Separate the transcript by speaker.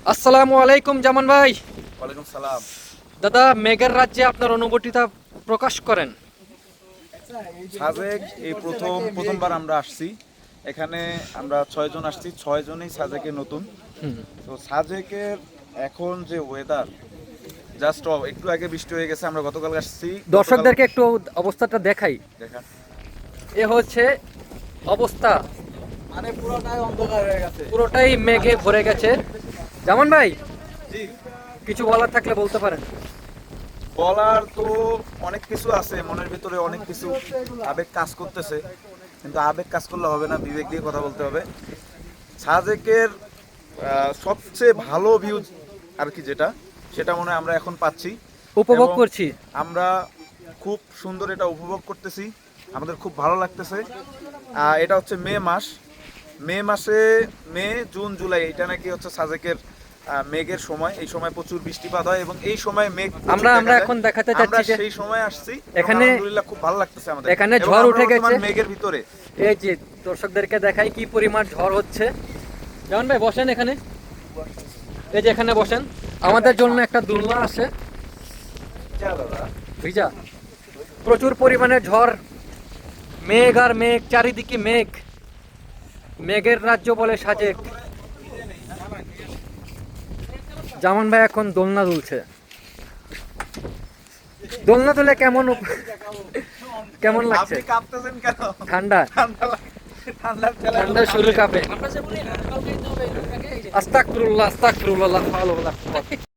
Speaker 1: আসসালামু আলাইকুম জামান ভাই।
Speaker 2: ওয়ালাইকুম সালাম।
Speaker 1: দাদা, মেঘের রাজ্যে আপনার অনুভূতিটা প্রকাশ করেন।
Speaker 2: সাজেক এই প্রথমবার আমরা আসছি এখানে। আমরা 6 জন আসছি, 6 জনই সাজেকে নতুন। তো সাজেকের এখন যে ওয়েদার, জাস্ট একটু আগে বৃষ্টি হয়ে গেছে, আমরা গতকাল আসছি।
Speaker 1: দর্শকদেরকে একটু অবস্থাটা দেখাই।
Speaker 2: দেখা
Speaker 1: এ হচ্ছে অবস্থা,
Speaker 2: মানে পুরোটাই অন্ধকার হয়ে গেছে,
Speaker 1: পুরোটাই মেঘে ভরে গেছে। জামান ভাই,
Speaker 2: জি।
Speaker 1: কিছু বলার থাকলে বলতে পারেন।
Speaker 2: বলার তো অনেক কিছু আছে, মনের ভিতরে অনেক কিছু আবেগ কাজ করতেছে, কিন্তু আবেগ কাজ করলে হবে না, বিবেক দিয়ে কথা বলতে হবে। সাজেকের সবচেয়ে ভালো ভিউ আর কি, সেটা মনে হয় আমরা এখন পাচ্ছি,
Speaker 1: উপভোগ
Speaker 2: এবং
Speaker 1: করছি।
Speaker 2: আমরা খুব সুন্দর এটা উপভোগ করতেছি, আমাদের খুব ভালো লাগতেছে। এটা হচ্ছে মে মাসে, মে জুন জুলাই, এটা নাকি হচ্ছে সাজেকের মেঘের সময়। এই সময় প্রচুর বৃষ্টিপাত হয় এবং এই সময় মেঘ
Speaker 1: আমরা এখন দেখাতে যাচ্ছি যে
Speaker 2: সেই সময় আসছি।
Speaker 1: এখানে
Speaker 2: আলহামদুলিল্লাহ খুব ভালো লাগতেছে আমাদের।
Speaker 1: এখানে
Speaker 2: এবং
Speaker 1: ঝড়
Speaker 2: আমরা
Speaker 1: উঠে
Speaker 2: বর্তমান
Speaker 1: গেছে
Speaker 2: মেঘের ভিতরে।
Speaker 1: এই যে দর্শকদেরকে দেখাই কি পরিমাণ ঝড় হচ্ছে। জামান ভাই বসেন এখানে, এই যে এখানে বসেন। আমাদের জন্য একটা দোলনা আছে, ভিজা। প্রচুর পরিমাণে ঝড়, মেঘ আর মেঘ, চারিদিকে মেঘ। মেঘের রাজ্য বলে সাজেক। জামান ভাই এখন দোলনা দুলছে। দোলনা দুলে কেমন লাগছে?
Speaker 2: আপনি কাঁপতেছেন কেন?
Speaker 1: ঠান্ডা ঠান্ডা শরীর কাঁপে। আস্তাগফিরুল্লাহ, আস্তাগফিরুল্লাহ, লা হাওলা ওয়ালা কুওয়াতা।